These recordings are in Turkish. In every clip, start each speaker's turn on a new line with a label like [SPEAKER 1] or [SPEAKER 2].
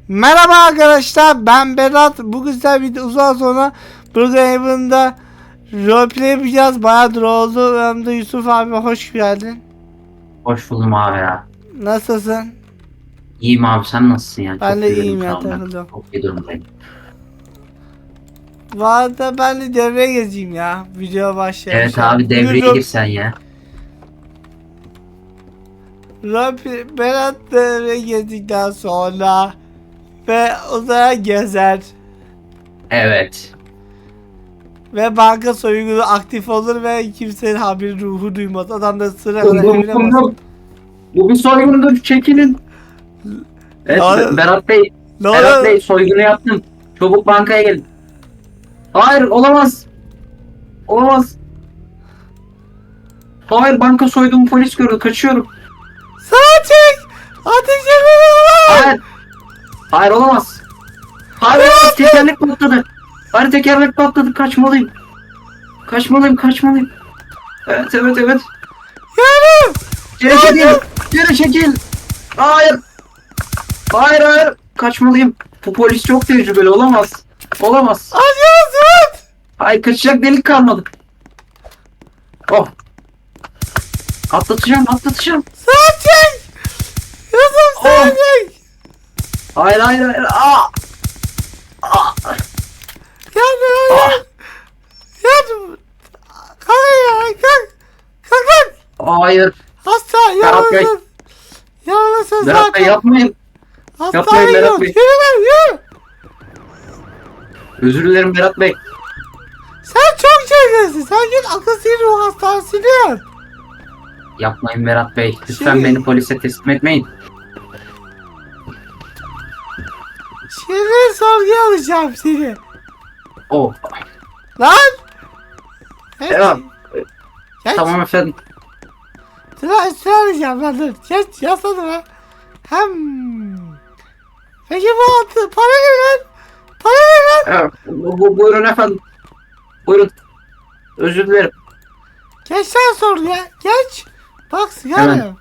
[SPEAKER 1] Merhaba arkadaşlar, ben Berat. Bugün sizlerle birlikte uzun sonra Brookhaven'da roleplay yapacağız. Bayağıdır oldu. Yanımda Yusuf abi, hoş geldin.
[SPEAKER 2] Hoş buldum abi ya.
[SPEAKER 1] Nasılsın?
[SPEAKER 2] İyiyim abi, sen nasılsın ya?
[SPEAKER 1] Ben
[SPEAKER 2] Çok
[SPEAKER 1] de
[SPEAKER 2] iyi
[SPEAKER 1] iyiyim ya,
[SPEAKER 2] şu an ben.
[SPEAKER 1] takıldım.
[SPEAKER 2] Çok iyi durumdayım.
[SPEAKER 1] Bu arada ben de devreye gezeyim ya. Video başlayalım.
[SPEAKER 2] Evet abi, devreye gir sen ya.
[SPEAKER 1] Roleplay, Berat devreye gezdikten sonra ve uzaya gezer.
[SPEAKER 2] Evet.
[SPEAKER 1] Ve banka soygunu aktif olur ve kimsenin haberi ruhu duymaz. Adam da sıra
[SPEAKER 2] Bum
[SPEAKER 1] kadar
[SPEAKER 2] bum
[SPEAKER 1] evine
[SPEAKER 2] bum
[SPEAKER 1] basar.
[SPEAKER 2] bum. Bu bir soygundur, çekilin. Evet
[SPEAKER 1] Abi-
[SPEAKER 2] Berat Bey.
[SPEAKER 1] Ne
[SPEAKER 2] Berat
[SPEAKER 1] oluyor?
[SPEAKER 2] Bey, soygunu yaptım. Çabuk bankaya gelin. Hayır, olamaz. Olamaz. Hayır, banka soyduğumu polis gördü, kaçıyorum.
[SPEAKER 1] Sağa çek! Ateş ediyorlar!
[SPEAKER 2] Hayır. Hayır, olamaz. Hayır, olamaz, tekerlek patladı. Hayır, tekerlek patladı, kaçmalıyım. Kaçmalıyım. Evet.
[SPEAKER 1] Yardım!
[SPEAKER 2] Geri çekil. Geri çekil. Hayır. Hayır. Kaçmalıyım. Bu polis çok tecrübeli, olamaz.
[SPEAKER 1] Acıyorsun!
[SPEAKER 2] Hayır, kaçacak delik kalmadı. Oh. Atlatacağım.
[SPEAKER 1] Sağa çek! Yusuf sağa
[SPEAKER 2] Oh.
[SPEAKER 1] çek!
[SPEAKER 2] Hayır.
[SPEAKER 1] Yardım! Yardım! Kalk! Kalk!
[SPEAKER 2] Hayır.
[SPEAKER 1] Hasta!
[SPEAKER 2] Berat Bey.
[SPEAKER 1] Yaralısın
[SPEAKER 2] Berat Bey, yapmayın.
[SPEAKER 1] Hastaneye
[SPEAKER 2] Berat
[SPEAKER 1] gidiyoruz.
[SPEAKER 2] Bey.
[SPEAKER 1] Yürü lan yürü!
[SPEAKER 2] Özür dilerim Berat Bey.
[SPEAKER 1] Sen çok çekiyorsun. Sen git akıl sinir ruh hastanesine yat.
[SPEAKER 2] Yapmayın Berat Bey. Lütfen
[SPEAKER 1] Şey-
[SPEAKER 2] beni polise teslim etmeyin.
[SPEAKER 1] Şimdi sorguya alacağım seni.
[SPEAKER 2] Oh.
[SPEAKER 1] Lan! Geç.
[SPEAKER 2] Devam.
[SPEAKER 1] Geç.
[SPEAKER 2] Tamam efendim.
[SPEAKER 1] Sıra arayacağım lan dur. Geç yasladı be. Peki bu altı para ne lan? Para ne lan?
[SPEAKER 2] Evet, buyurun efendim. Buyurun. Özür dilerim.
[SPEAKER 1] Geç lan sorguya. Geç. Bak sigara.
[SPEAKER 2] Hemen.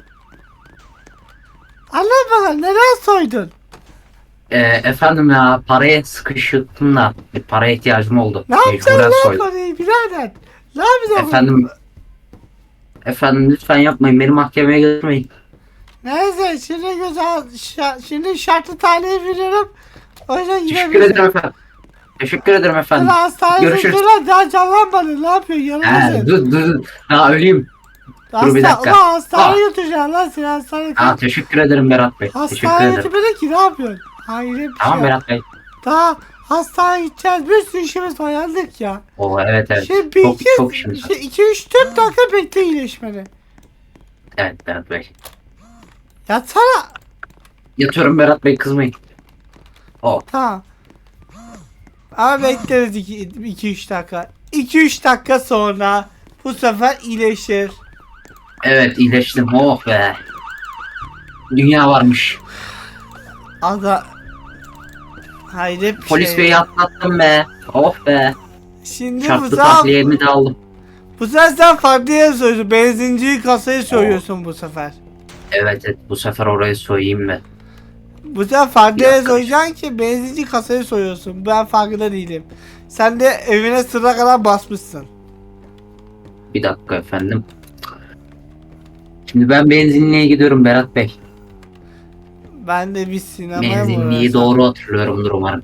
[SPEAKER 1] Anlat bakalım neden soydun?
[SPEAKER 2] Efendim ya, paraya sıkıştım da bir paraya ihtiyacım oldu.
[SPEAKER 1] Ne yapacaksın
[SPEAKER 2] Mecburen
[SPEAKER 1] lan
[SPEAKER 2] soydum.
[SPEAKER 1] parayı birader? Ne yapacaksın?
[SPEAKER 2] Efendim lütfen yapmayın, beni mahkemeye götürmeyin.
[SPEAKER 1] Neyse şimdi şimdi şartlı tahliye veriyorum. O yüzden
[SPEAKER 2] Teşekkür
[SPEAKER 1] gidebilirsin.
[SPEAKER 2] ederim efendim. Teşekkür ederim efendim.
[SPEAKER 1] Sen hastaneye
[SPEAKER 2] Görüşürüz.
[SPEAKER 1] götür daha canlanmadın. Ne yapıyorsun? Yanılmasın.
[SPEAKER 2] Dur. Ha, öleyim. dur bir dakika.
[SPEAKER 1] Ulan hastaneye götüreceksin lan seni hastaneye.
[SPEAKER 2] Ha, teşekkür ederim Berat Bey. Teşekkür
[SPEAKER 1] Hastaneye
[SPEAKER 2] ederim.
[SPEAKER 1] götürmedin ki ne yapıyorsun? Hayır bir
[SPEAKER 2] Tamam
[SPEAKER 1] şey.
[SPEAKER 2] Berat Bey.
[SPEAKER 1] Daha hastaneye gideceğiz. Bir sürü işimiz var yandık ya.
[SPEAKER 2] Oo, evet.
[SPEAKER 1] Şimdi
[SPEAKER 2] Çok işimiz var.
[SPEAKER 1] 2-3-4 dakika bekle iyileşmeni.
[SPEAKER 2] Evet Berat Bey.
[SPEAKER 1] Yatsana.
[SPEAKER 2] Yatıyorum Berat Bey, kızmayın. Oh.
[SPEAKER 1] Tamam. Ama bekleriz 2-3 dakika. 2-3 dakika sonra bu sefer iyileşir.
[SPEAKER 2] Evet, iyileştim. Oh be. Dünya varmış.
[SPEAKER 1] Ada. Hayret bir
[SPEAKER 2] Polis
[SPEAKER 1] şey.
[SPEAKER 2] beyi atlattım be. Oh be.
[SPEAKER 1] Şimdi
[SPEAKER 2] Şartlı tahliyemi de aldım.
[SPEAKER 1] bu sefer sen farklı yere soyuyorsun. Benzinciyi kasayı soyuyorsun bu sefer.
[SPEAKER 2] Evet, bu sefer orayı soyayım ben.
[SPEAKER 1] Bu sefer farklı
[SPEAKER 2] Bir
[SPEAKER 1] yere
[SPEAKER 2] dakika.
[SPEAKER 1] soyacaksın ki benzinci kasayı soyuyorsun. Ben farkında değilim. Sen de evine sıra kadar basmışsın.
[SPEAKER 2] Bir dakika efendim. Şimdi ben benzinliğe gidiyorum Berat Bey.
[SPEAKER 1] Ben de bir sinemaya mı
[SPEAKER 2] Benzinliği
[SPEAKER 1] uğraşsam?
[SPEAKER 2] doğru hatırlıyorumdur umarım.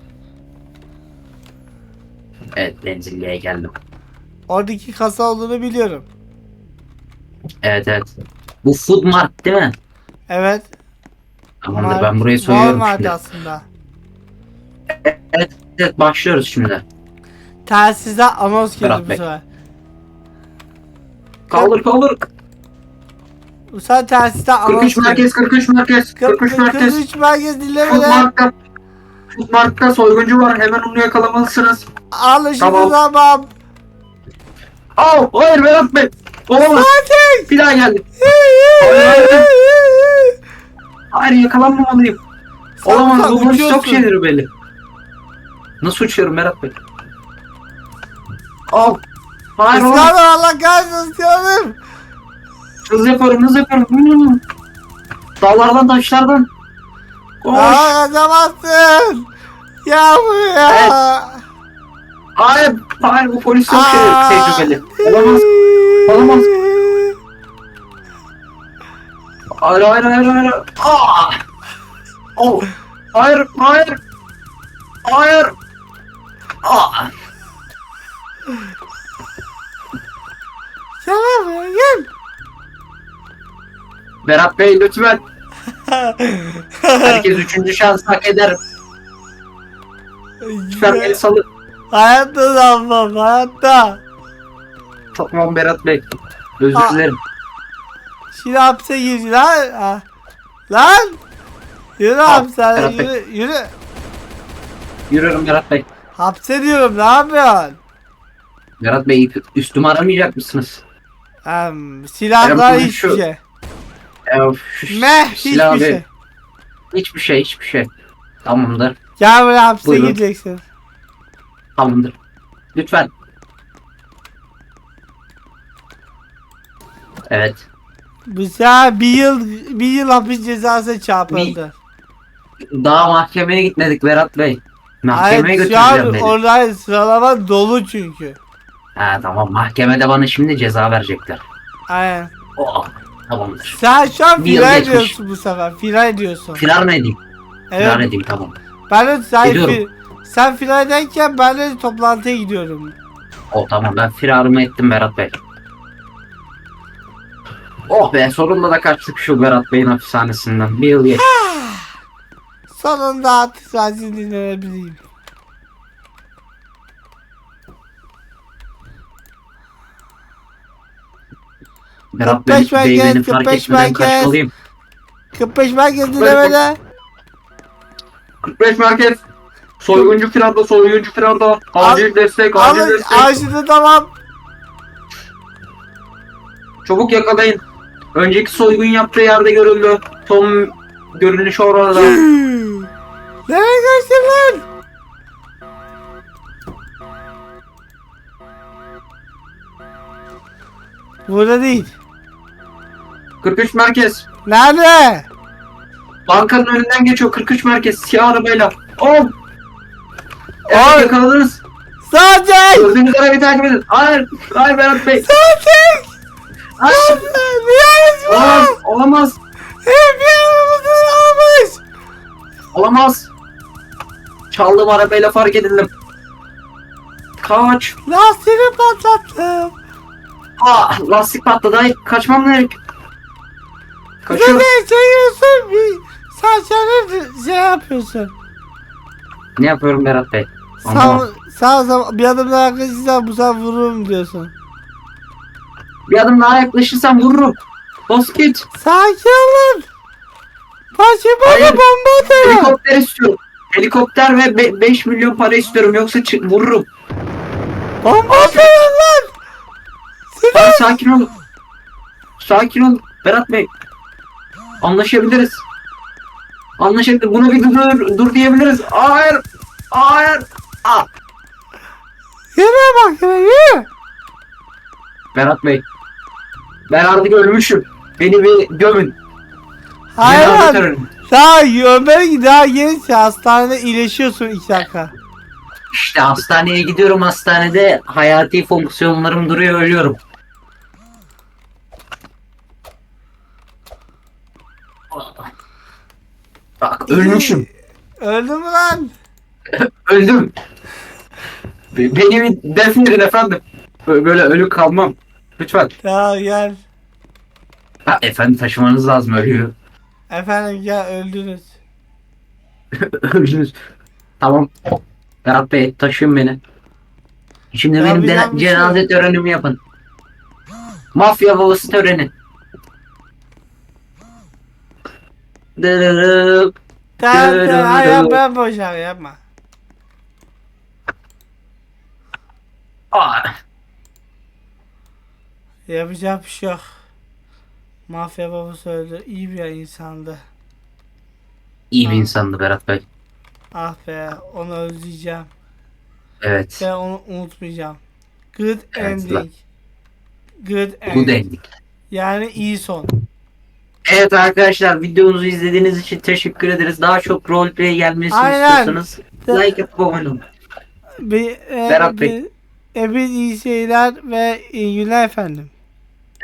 [SPEAKER 2] Evet, benzinliğe geldim.
[SPEAKER 1] Oradaki kasa olduğunu biliyorum.
[SPEAKER 2] Evet. Bu Food Mart değil mi?
[SPEAKER 1] Evet.
[SPEAKER 2] Tamamdır, ben burayı soyuyorum
[SPEAKER 1] Walmart
[SPEAKER 2] şimdi.
[SPEAKER 1] aslında.
[SPEAKER 2] Evet, başlıyoruz şimdi.
[SPEAKER 1] Telsizde anons girdi
[SPEAKER 2] Berat
[SPEAKER 1] bu
[SPEAKER 2] Bey.
[SPEAKER 1] sefer.
[SPEAKER 2] Kaldır.
[SPEAKER 1] Bu sefer telsizde anons
[SPEAKER 2] 43 merkez. 43 merkez.
[SPEAKER 1] 43 merkez
[SPEAKER 2] Food
[SPEAKER 1] dinlemeden.
[SPEAKER 2] Mart'ta soyguncu var. Hemen onu yakalamalısınız.
[SPEAKER 1] Alışın
[SPEAKER 2] Tamam.
[SPEAKER 1] tamam.
[SPEAKER 2] Hayır Berat Bey. Olamaz.
[SPEAKER 1] Sakin.
[SPEAKER 2] Bir daha geldi. Hayır, yakalanmamalıyım.
[SPEAKER 1] Sen
[SPEAKER 2] Olamaz, bu polis
[SPEAKER 1] uçuyorsun.
[SPEAKER 2] çok şeyleri belli. Nasıl uçuyorum Berat Bey? Hayır olamaz.
[SPEAKER 1] Israr Allah kahretsin istiyorum.
[SPEAKER 2] Hız yapıyorum. Dağlardan, taşlardan. Koş.
[SPEAKER 1] Aa kaçamazsın. Gel buraya.
[SPEAKER 2] Hayır, hayır bu polis çok tecrübeli. Olamaz, olamaz. Hayır, hayır, hayır, hayır. Aa! Oh! Hayır, hayır. Hayır. Aa!
[SPEAKER 1] Gel buraya gel.
[SPEAKER 2] Berat Bey lütfen. Herkes 3. şans hak eder. Lütfen beni salın.
[SPEAKER 1] Hayatta da almam hayatta.
[SPEAKER 2] Tamam Berat Bey. Özür
[SPEAKER 1] Aa.
[SPEAKER 2] dilerim.
[SPEAKER 1] Şimdi hapse gir lan. Ha. Lan. Yürü hapse
[SPEAKER 2] Berat Bey.
[SPEAKER 1] yürü.
[SPEAKER 2] Yürüyorum Berat Bey.
[SPEAKER 1] Hapse diyorum ne yapıyorsun?
[SPEAKER 2] Berat Bey üstümü aramayacak mısınız?
[SPEAKER 1] Silahlar
[SPEAKER 2] Berat,
[SPEAKER 1] hiçbir
[SPEAKER 2] şu-
[SPEAKER 1] şey.
[SPEAKER 2] Şu
[SPEAKER 1] Meh
[SPEAKER 2] silah
[SPEAKER 1] hiçbir
[SPEAKER 2] ver.
[SPEAKER 1] şey.
[SPEAKER 2] Hiçbir şey. Tamamdır.
[SPEAKER 1] Gel buraya hapse
[SPEAKER 2] Buyurun.
[SPEAKER 1] gireceksin.
[SPEAKER 2] Tamamdır. Lütfen. Evet.
[SPEAKER 1] Bu sefer bir yıl hapis cezası çarpıldı.
[SPEAKER 2] Daha mahkemeye gitmedik Berat Bey. Mahkemeye
[SPEAKER 1] Hayır şu
[SPEAKER 2] götüreceğim
[SPEAKER 1] an
[SPEAKER 2] beni.
[SPEAKER 1] orada sıralama dolu çünkü.
[SPEAKER 2] Ha tamam mahkemede bana şimdi ceza verecekler.
[SPEAKER 1] Aynen.
[SPEAKER 2] Oh, tamamdır.
[SPEAKER 1] Sen şu an
[SPEAKER 2] Bir yıl
[SPEAKER 1] firar
[SPEAKER 2] geçmiş.
[SPEAKER 1] ediyorsun bu sefer. Firar ediyorsun.
[SPEAKER 2] Firar mı edeyim? Firar
[SPEAKER 1] Evet.
[SPEAKER 2] edeyim tamam.
[SPEAKER 1] Ben de
[SPEAKER 2] Ediyorum.
[SPEAKER 1] sen firar ederken ben de toplantıya gidiyorum.
[SPEAKER 2] Oh tamam ben firarımı ettim Berat Bey. Oh be sonunda da kaçtık şu Berat Bey'in hapishanesinden. Bir yıl geç.
[SPEAKER 1] Sonunda artık sensiz dinlenebileyim.
[SPEAKER 2] Berat
[SPEAKER 1] 45
[SPEAKER 2] Bey beni
[SPEAKER 1] merkez,
[SPEAKER 2] fark
[SPEAKER 1] 45
[SPEAKER 2] etmeden
[SPEAKER 1] merkez.
[SPEAKER 2] kaçmalıyım.
[SPEAKER 1] 45 merkez dinlemede.
[SPEAKER 2] 45 merkez. Soyguncu firarda. Acil destek,
[SPEAKER 1] Alın ağaçını tamam.
[SPEAKER 2] Çabuk yakalayın. Önceki soygun yaptığı yerde görüldü. Tom görünüşü orada.
[SPEAKER 1] Nereye kaçtın lan? Burada değil.
[SPEAKER 2] 43 merkez.
[SPEAKER 1] Nerede?
[SPEAKER 2] Bankanın önünden geçiyor 43 merkez siyah arabayla. Oh! Evet
[SPEAKER 1] Oy!
[SPEAKER 2] yakaladınız.
[SPEAKER 1] Sadece!
[SPEAKER 2] Gördüğünüz arabayı takip edin. Hayır. Hayır Berat Bey.
[SPEAKER 1] Sadece!
[SPEAKER 2] Hayır.
[SPEAKER 1] Niye
[SPEAKER 2] Olamaz.
[SPEAKER 1] var?
[SPEAKER 2] Olamaz.
[SPEAKER 1] Hep yanımızı almış.
[SPEAKER 2] Olamaz. Çaldığım arabayla fark edildim. Kaç.
[SPEAKER 1] Lastiğini patlattım.
[SPEAKER 2] Lastik patladı. Ay, kaçmam gerek. Kaçıyorum.
[SPEAKER 1] Ne çekiyorsun? Sen şey yapıyorsun.
[SPEAKER 2] Ne yapıyorum Berat Bey?
[SPEAKER 1] Sağ,
[SPEAKER 2] Anlamadım.
[SPEAKER 1] sağ zaman bir adım daha yaklaşırsan bu sefer vururum diyorsun.
[SPEAKER 2] Bir adım daha yaklaşırsam vururum. Bas git.
[SPEAKER 1] Sakin olun. Başıma
[SPEAKER 2] Hayır.
[SPEAKER 1] da bomba atıyor.
[SPEAKER 2] Helikopter istiyorum. Helikopter ve 5 milyon para istiyorum yoksa vururum.
[SPEAKER 1] Bomba atıyor lan.
[SPEAKER 2] Hayır, sakin olun. Sakin olun. Berat Bey. Anlaşabiliriz. Anlaşabiliriz. Buna bir dur diyebiliriz. Hayır. Hayır.
[SPEAKER 1] Yürü bak yürü.
[SPEAKER 2] Berat Bey. Ben artık ölmüşüm. Beni bir gömün.
[SPEAKER 1] Hayır
[SPEAKER 2] Cenaze
[SPEAKER 1] lan.
[SPEAKER 2] töreni.
[SPEAKER 1] Daha gençsin hastanede iyileşiyorsun 2 dakika.
[SPEAKER 2] İşte hastaneye gidiyorum. Hastanede hayati fonksiyonlarım duruyor. Ölüyorum. Bak ölmüşüm.
[SPEAKER 1] Öldün mü lan?
[SPEAKER 2] Öldüm. Beni bir defnedin efendim. Böyle ölü kalmam. Lütfen.
[SPEAKER 1] Ya gel.
[SPEAKER 2] Ha, efendim taşımanız lazım ölüyü.
[SPEAKER 1] Efendim gel öldünüz.
[SPEAKER 2] Öldünüz. Tamam. Berat Bey taşıyın beni. Şimdi
[SPEAKER 1] Ya
[SPEAKER 2] benim
[SPEAKER 1] bir yanlış
[SPEAKER 2] cenaze törenimi yapın. Mafya babası töreni. Dırırıp.
[SPEAKER 1] Tamam hayır ben boşver yapma.
[SPEAKER 2] Aa,
[SPEAKER 1] Yapacak bir şey yok. Mafya babası öldü. İyi bir insandı.
[SPEAKER 2] İyi bir insandı Berat Bey.
[SPEAKER 1] Ah be onu özleyeceğim.
[SPEAKER 2] Evet.
[SPEAKER 1] Ben onu unutmayacağım. Good
[SPEAKER 2] Evet,
[SPEAKER 1] ending. Good
[SPEAKER 2] Bu
[SPEAKER 1] ending.
[SPEAKER 2] dendik.
[SPEAKER 1] Yani iyi son.
[SPEAKER 2] Evet arkadaşlar videomuzu izlediğiniz için teşekkür ederiz. Daha çok roleplay gelmesini
[SPEAKER 1] Aynen.
[SPEAKER 2] istiyorsanız like abone olun.
[SPEAKER 1] Bir,
[SPEAKER 2] Berat Bey.
[SPEAKER 1] Hepiniz iyi şeyler ve iyi günler efendim.